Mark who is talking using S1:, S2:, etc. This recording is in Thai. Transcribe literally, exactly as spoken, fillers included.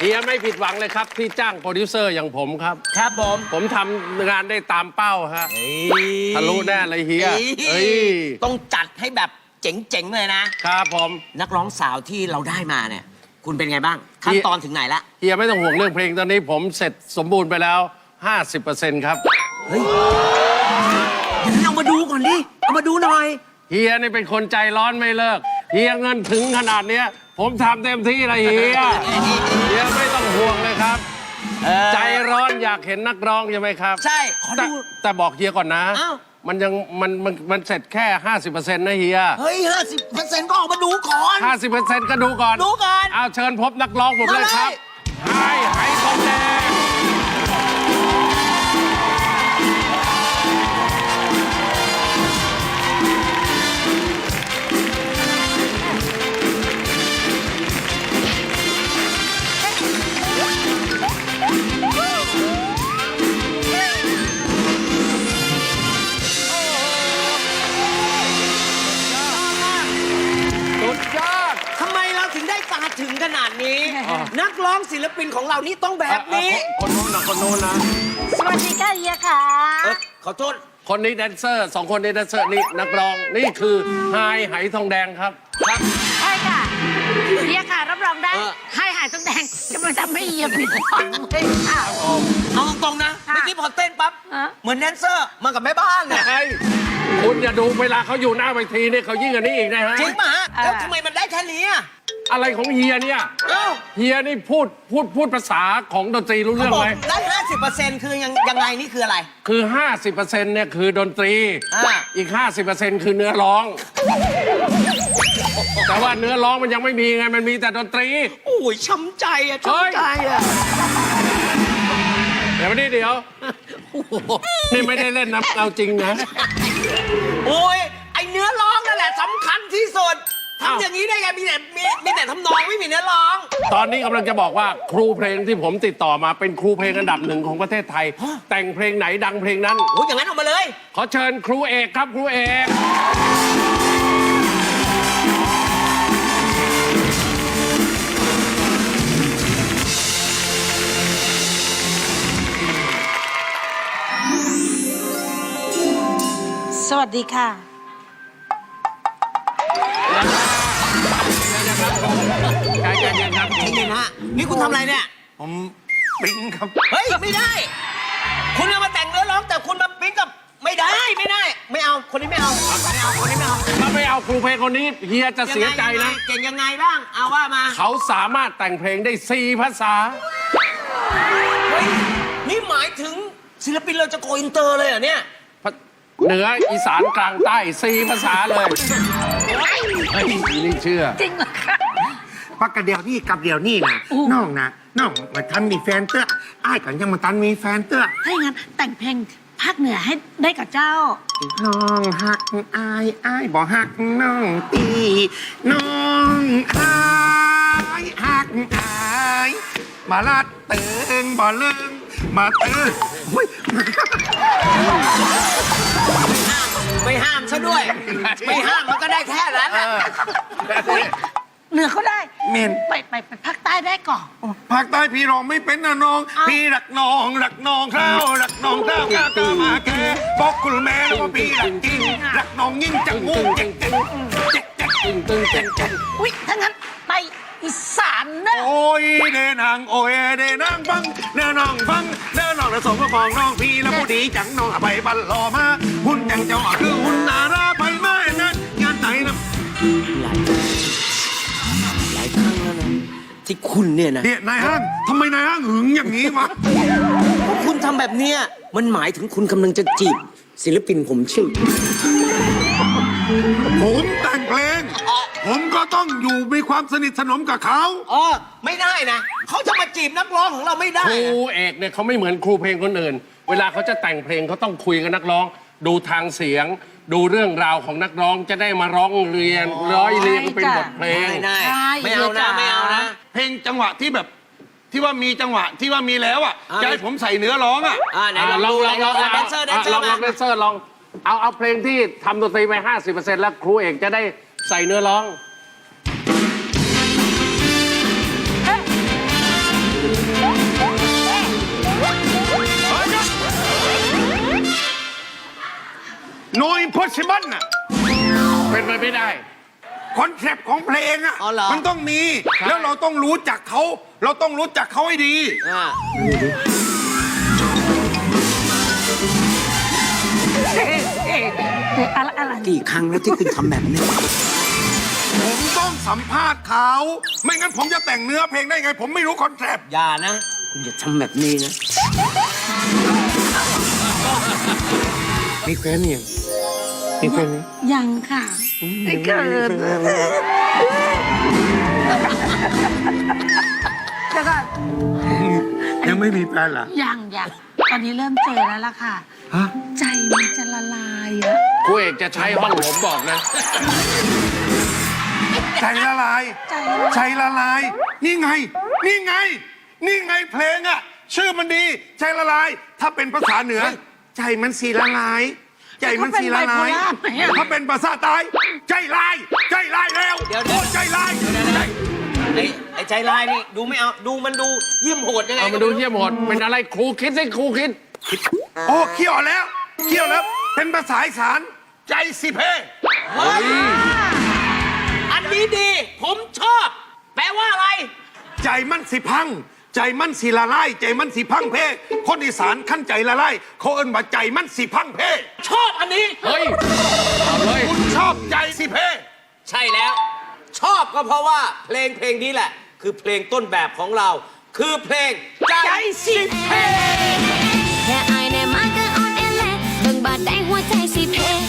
S1: ฮียไม่ผิดหวังเลยครับที่จ้างโปรดิวเซอร์อย่างผมครับ
S2: ครับผม
S1: ผมทำงานได้ตามเป้าฮะทะลุแน่เลยเฮียเอ้ย
S2: ต้องจัดให้แบบเจ๋งๆเลยนะครับ
S1: ผม
S2: นักร้องสาวที่เราได้มาเนี่ยคุณเป็นไงบ้างขั้นตอนถึงไหนละ
S1: เฮียไม่ต้องห่วงเรื่องเพลงตอนนี้ผมเสร็จสมบูรณ์ไปแล้ว ห้าสิบเปอร์เซ็นต์ ครับ
S2: เฮ้ยเอามาดูก่อนดิเอามาดูหน่อย
S1: เฮียนี่เป็นคนใจร้อนไม่เลิกเฮียเงินถึงขนาดเนี้ยผมทำเต็มที่เลยเฮียเฮียไม่ต้องห่วงเลยครับใจร้อนอยากเห็นนักร้องใช่ไหมครับ
S2: ใช่ขอดู
S1: แต่บอกเฮียก่อนนะมันยังมันมันมันเสร็จแค่ ห้าสิบเปอร์เซ็นต์ นะเฮีย
S2: เฮ้ย ห้าสิบเปอร์เซ็นต์ ก็ออกมาดูก่อน
S1: ห้าสิบเปอร์เซ็นต์ ก็ดูก่อน
S2: ดูก่อน
S1: เอาเชิญพบนักร้องผมเลยครับไอ้ไหทองแดง
S2: ถึงขนาดนี้นักร้องศิลปินของเรานี่ต้องแบบนี้
S1: คนโน้นนะคนโน้นนะ
S3: สวัสดีค่ะเฮียค่ะ
S2: ขอโทษ
S1: คนนี้แดนเซอร์สองคนนี้แดนเซอร์นี่นักร้องนี่คือไฮไหทองแดงครับ
S3: ครับใช่ค่ะเฮียค่ะรับรองได้ไฮไหทองแดงจะมาทำให้เฮียผิดหวังเลยค่ะ
S2: เอาตรงๆนะเมื่อกี้พอเต้นปั๊บเหมือนแดนเซอร์มากับแม่บ้านเลย
S1: คุณอย่าดูเวลาเขาอยู่หน้าเวทีนี่เขายิ่งกว่านี้อีกนะฮะ
S2: จริงป่ะแล้วทำไมมันได้แค่นี้
S1: อะไรของเฮียเนี่ยเฮียนี่พูดพูดพูดภาษาของดนตรีรู้เรื่องไหม
S2: ได้ห้าสิบเปอร์เซ็นต์คือยังยังไงนี่คืออะไร
S1: คือ ห้าสิบเปอร์เซ็นต์ เนี่ยคือดนตรีอีก ห้าสิบเปอร์เซ็นต์ คือเนื้อร้องแต่ว่าเนื้อร้องมันยังไม่มีไงมันมีแต่ดนตรี
S2: โอ้ยช้ำใจอะช้ำใจอะ
S1: เดี๋ยวนี้เดี๋ยวนี่ไม่ได้เล่นนะเอาจริงนะ
S2: โอ้ยไอเนื้อร้องนั่นแหละสำคัญที่สุดทำอย่างนี้ได้ไงมีแต่มีมีแต่ทำนองไม่มีเนื้อร้อง
S1: ตอนนี้กำลังจะบอกว่าครูเพลงที่ผมติดต่อมาเป็นครูเพลงอันดับหนึ่งของประเทศไทยแต่งเพลงไหนดังเพลงนั้น
S2: โอ้ยอย่างนั้นออกมาเลย
S1: ขอเชิญครูเอกครับครูเอก
S3: สวัสดีค่ะ
S1: ใจเย็นครับ
S2: ใจเย็นฮะนี่คุณทำอะไรเนี่ย
S1: ผมปิ๊งครับ
S2: เฮ้ยไม่ได้คุณเอามาแต่งเนื้อร้องแต่คุณมาปิ๊งกับไม่ได้ไม่ได้ไม่เอาคนนี้ไม่เอาไม่เอาคนนี้ไม่เอา
S1: ถ้าไม่เอาครูเพลงคนนี้เฮียจะเสียใจนะ
S2: เก่งยังไงบ้างเอาว่ามา
S1: เขาสามารถแต่งเพลงได้สี่ภาษา
S2: เฮ้ยนี่หมายถึงศิลปินเราจะโกอินเตอร์เลยเหรอเนี่ย
S1: เหนืออีสานกลางใต้สี่ภาษาเลยเฮ้ยนี่เชื่อ
S3: จริงเหรอคะ
S4: พักกระเดียวนี่กับเดียวนี่นะน้องนะน้องมาทันมีแฟนเต้ออ้ายกันยังมาทันมีแฟนเต้อ
S3: ถ้าอย่างนั้นแต่งเพลงภาคเหนือให้ได้กับเจ้า
S4: น้องหักอายอ้ายบ่หักน้องตีน้องอายหักอายมาลัดเติงบ่เลิงมาเติงอุ้ย
S2: ไม่ห้ามซะด้วยไม่ห้ามมันก็ได้แค่นั้น
S3: เหนือเขาได้
S4: เมน
S3: ไปไปไปภาคใต้ได้ก่อน
S4: ภาคใต้พี่ร้องไม่เป็นนะน้องพี่รักน้องรักน้องข้าวรักน้องข้าวข้าวตามาแกบอกคุณแม่ว่าพี่รักจริงรักน้องยิ่งจังงูจริงจริงจริงจริงจริงจริง
S3: อุ้ยถ้างั้นไปอีสานนะ
S4: โอ้ยเดนางโอ้ยเดนางฟังเดน้องฟังเดน้องและสมกับของน้องพี่แล้วผู้ดีจังน้องไปบัลลอมาหุ่นยังเจ้าคือหุ่นนาราไปไม่นะงานไหนนะ
S2: หลายครั้งแล้วนะที่คุณเนี่ยนะ
S4: เนี่ยนายห้างทำไมนายห้างหึงอย่างนี้วะ
S2: คุณทำแบบเนี้ยมันหมายถึงคุณกำลังจะจีบศิลปินผมชื่อ
S4: ผมแต่งเพลงผมก็ต้องอยู่มีความสนิทสนมกับเขา
S2: อ๋อไม่ได้นะเขาจะมาจีบนักร้องของเราไม่ได้
S1: ครูเอกเนี่ยเขาไม่เหมือนครูเพลงคนอื่นเวลาเขาจะแต่งเพลงเขาต้องคุยกับนักร้องดูทางเสียงดูเรื่องราวของนักร้องจะได้มาร้องเรียนร้อยเรียงเป็นบทเพลง
S2: ไม่ได้ไม่เอานะไม่เอานะ
S4: เพลงจังหวะที่แบบที่ว่ามีจังหวะที่ว่ามีแล้วอ่ะจะให้ผมใส่เนื้อร้องอ่ะ
S1: ลองลองลองแดนเซอร์แดนเซอร์ลองลองแดนเซอร์ลองเอาเอาเพลงที่ทำดนตรีไป ห้าสิบเปอร์เซ็นต์ แล้วครูเอกจะได้ใส่เนื้อร้อง
S4: no impossible น่ะ
S1: เป็นไปไม่ได้
S4: คอนเซปต์ของเพลงอ่ะ
S2: อ๋อเหรอ
S4: มันต้องมี แล้วเราต้องรู้จักเขา เราต้องรู้จักเขาให้ดี
S2: อ่า
S3: อะไรอะไร
S2: กี่ครั้งแล้วที่คุณทำแบบนี้
S4: ผมต้องสัมภาษณ์เขา ไม่งั้นผมจะแต่งเนื้อเพลงได้ไง ผมไม่รู้คอนเซปต์
S2: อย่านะ คุณอย่าทำแบบนี้นะ
S4: มีแฟนยังมีแฟนยัง
S3: ยังค่ะไม่เกินแล้วก็
S4: ยังไม่มีแฟนเหรอ
S3: ยังยังตอนนี้เริ่มเจอแล้วล่ะค่ะ
S4: ฮะ
S3: ใจมันจะละลายอะ
S1: ครูเอกจะใช้ห้องผมบอกนะ
S4: ใจละลาย
S3: ใจ
S4: ใจละลาย นี่ไง นี่ไง นี่ไงเพลงอ่ะ ชื่อมันดี ใจละลาย ถ้าเป็นภาษาเหนือ ใจมันสีละลาย ใจมันสีละลาย ถ้าเป็นภาษาใต้ใจลาย ใจลายแล้ว
S2: เดี๋ยวเดี๋ยว
S4: โอ้ใจลายใจ
S2: ไอ้ไอ้ใจลายนี่ดูไม่เอา ดูมันดูเยี่ยมโหดยังไง
S1: เอามาดูเยี่ยมหมดเป็นอะไรครูคิดสิครูคิด
S4: โอ้เขี้ยวแล้วเขี้ยวแล้ว เป็นภาษาอีสาน ใจสิเพ
S2: เฮ้ยอันนี้ดี ผมชอบ แปลว่าอะไร
S4: ใจมันสิพัง ใจมันสิละลาย ใจมันสิพังเพคนอีสานขั้นใจละลายเขาเอิ้นว่าใจมันสิพังเพ
S2: ชอบอันนี้
S1: เฮ้ย เอาเลย
S4: คุณชอบใจสิเพ
S2: ใช่แล้ว ชอบก็เพราะว่าเพลงเพลงนี้แหละ คือเพลงต้นแบบของเรา คือเพลงใจสิเพ
S5: แค่อายแน่มาก็อ่อนแอแลเบิ่งบาดแดงหัวใจสิเพ